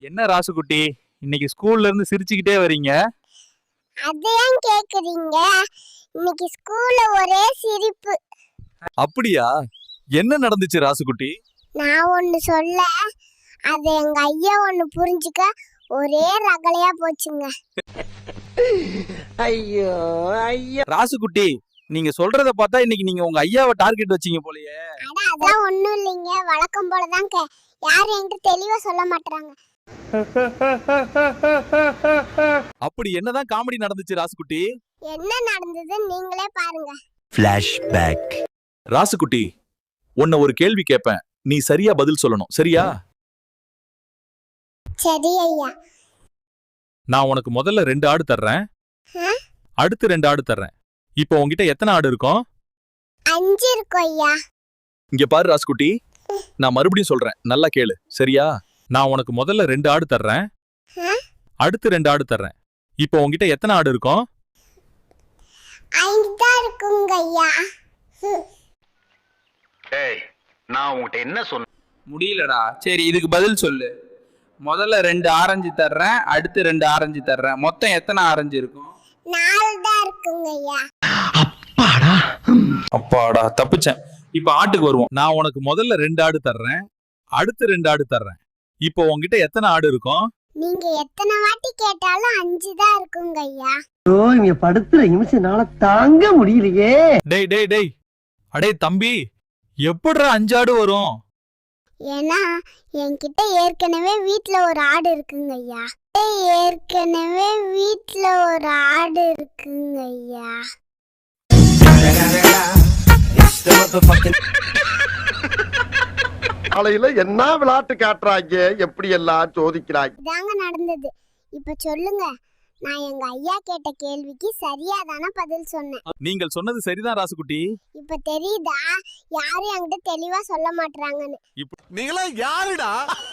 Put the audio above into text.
என்ன ராசுகுட்டி, இன்னைக்கு ஸ்கூல்ல இருந்து சிரிச்சுக்கிட்டே வரீங்க? அதையும் கேக்குறீங்க? இன்னைக்கு ஸ்கூல்ல ஒரே சிரிப்பு. அப்படியா? என்ன நடந்துச்சு ராசுகுட்டி? நான் ஒன்னு சொல்ல, அது எங்க ஐயா ஒன்னு புரிஞ்சுக்க ஒரே ரகலையா போச்சுங்க. ஐயோ ஐயோ ராசுகுட்டி, நீங்க சொல்றத பார்த்தா இன்னைக்கு நீங்க உங்க ஐயாவை டார்கெட் வச்சீங்க போலயே. அட அதெல்லாம் ஒண்ணும் இல்லைங்க, வழக்கம் போலதான். யாரும் என்கிட்ட தெளிவா சொல்ல மாட்டாங்க. அப்படி என்னதான் காமெடி நடந்துச்சு ராசுகுட்டி? என்ன நடந்தது நீங்களே பாருங்க. ஃபிளாஷ்பேக். ராசுகுட்டி, உன்னை ஒரு கேள்வி கேட்பேன், நீ சரியா பதில் சொல்லணும், சரியா? சரி ஐயா. நான் உனக்கு முதல்ல 2 ஆடு தர்றேன், அடுத்து 2 ஆடு தர்றேன். இப்போ உன்கிட்ட எத்தனை ஆடு இருக்கும்? 5 இருக்கும் ஐயா. இங்க பாரு ராசுகுட்டி, நான் மறுபடியும் சொல்றேன், நல்லா கேளு, சரியா? நான் உனக்கு முதல்ல 2 ஆடு தர்றேன், அடுத்து 2 ஆடு தர்றேன். இப்போ உன்கிட்ட எத்தனை ஆடு இருக்கும்? 5 தான் இருக்குங்க ஐயா. ஏய், நான் உன்கிட்ட என்ன சொன்ன? முடியலடா. சரி, இதுக்கு பதில் சொல்லு. முதல்ல 2 ஆரஞ்சு தர்றேன், அடுத்து 2 ஆரஞ்சு தர்றேன். மொத்தம் எத்தனை ஆரஞ்சு இருக்கும்? 4 தான் இருக்குங்க ஐயா. அப்பாடா, தப்பிச்சேன். இப்ப ஆட்டுக்கு வருவோம். நான் உனக்கு முதல்ல 2 ஆடு தர்றேன், அடுத்து 2 ஆடு தர்றேன். இப்போ உன்கிட்ட எத்தனை ஆடு இருக்கும்? நீங்க எத்தனை வாட்டி கேட்டாலும் 5 தான் இருக்குங்க ஐயா. ஓ இங்க படுத்துற நிமிஷம்னால தாங்க முடியலையே. டேய் டேய் டேய், அடே தம்பி, எப்படிடா 5 ஆடு வரும்? ஏன்னா என்கிட்ட ஏற்கனவே வீட்ல ஒரு ஆடு இருக்குங்க ஐயா. ஏற்கனவே வீட்ல ஒரு ஆடு இருக்குங்க ஐயா. காலையில என்ன விளையாட்டு காட்டுறாங்க, எப்படி எல்லாம் சோதிக்கிறாங்க. இதாங்க நடந்தது. இப்ப சொல்லுங்க, நான் எங்க ஐயா கேட்ட கேள்விக்கு சரியா தானே பதில் சொன்னேன். நீங்கள் சொன்னது சரிதான் ராசுகுட்டி. இப்ப தெரியுதா யாரும் என்கிட்ட தெளிவா சொல்ல மாட்டாங்கன்னு. நீங்களா யாருடா?